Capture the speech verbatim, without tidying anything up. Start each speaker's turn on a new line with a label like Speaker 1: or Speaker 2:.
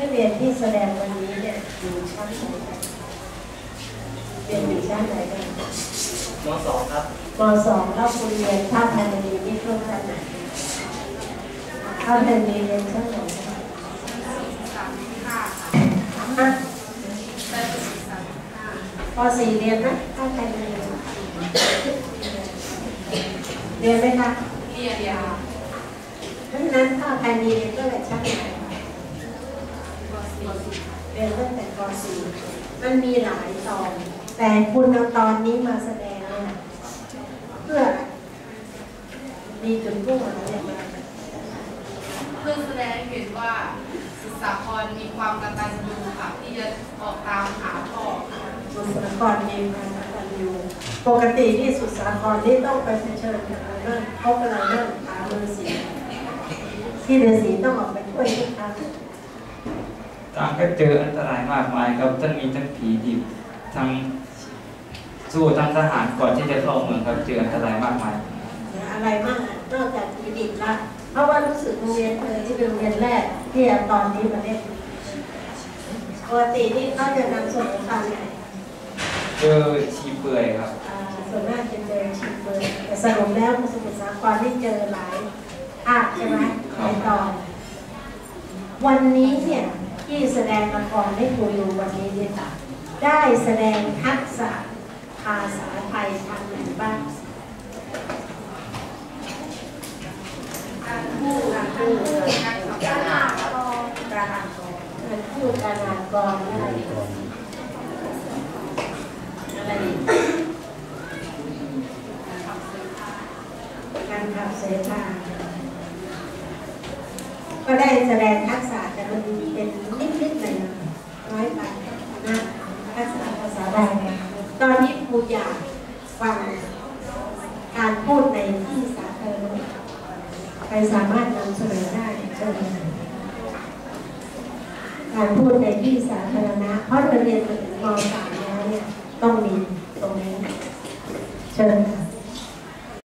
Speaker 1: กเรียนที่แสดงวันนี้เนี่ยอยู่ชั้นไหนกันเรียนอยู่ชั้นไหนกัน
Speaker 2: ม.สองครับ
Speaker 1: ม.สองแล้วคุณเรียนภาคไทยดีนี่ช่วงชั้นไหนภาคไทยดีเรียนชั้นไหนอ่ะป.สี่เรียนไหมภาคไทยดีเรียนไหมคะ
Speaker 3: เรียนยา
Speaker 1: เพราะฉะนั้นภาคไทยดีเรียนตั้งแต่ชั้นไหนเรียนตั้งแต่ป.สี่มันมีหลายตอนแต่คุณเอาตอนนี้มาแสดงเนี่ยเพื่อมีจุดมุ่งอะไรอย่างไร
Speaker 3: เพื่อแสดงเห็นว่าสุสาครมีความกตัญญูค่ะที่จะออกตามหาพ่อ
Speaker 1: สุสาครมีความกตัญญูปกติที่สุสาครนี่ต้องไปเผชิญกับเรื่องเขากำลังเรื่องหาฤาษีที่ฤาษีต้องออกไปช่วยทุกครั้ง
Speaker 2: ต่างก็เจออันตรายมากมายครับทั้งมีทั้งผีดิบทั้งสู้ทั้งทหารก่อนที่จะเข้าเมืองครับเจออันตรายมากมาย
Speaker 1: อะไรมากนอกจากผีดิบละเพราะว่ารู้สึกโรงเรียนเลยที่เป็นโรงเรียนแรกที่ตอนนี้มาเล่นปกตินี่เขาจะนำส่วนของเขาไหน
Speaker 2: เจอชีเปื่อยครับ
Speaker 1: ส่วนมากจะเจอชีเปื่อยแต่สรุปแล้วสมุทรสาครที่เจอหลายภาคใช่ไหมหลายตอนวันนี้เนี่ยที่แสดงละครให้ครูดูวันนี้เนี่ยได้แสดงทักษะภาษาไทยทางไหนบ้าง
Speaker 3: การพูดการพูดการขับการอ่าน
Speaker 1: การอ่านกรการพูดการอ่านกรอะไรอะไรการขับเสพาก็ได้แสดงทักษะแต่มันเป็นนิดๆหน่อยๆน้อยไปนะทักษะภาษาไทยตอนนี้ครูอยากฟังการพูดในที่สาธารณะใครสามารถนำเสนอได้เชิญการพูดในที่สาธารณะเพราะเราเรียนมาถึงม.สามแล้วเนี่ยต้องมีตรงนี้เชิญ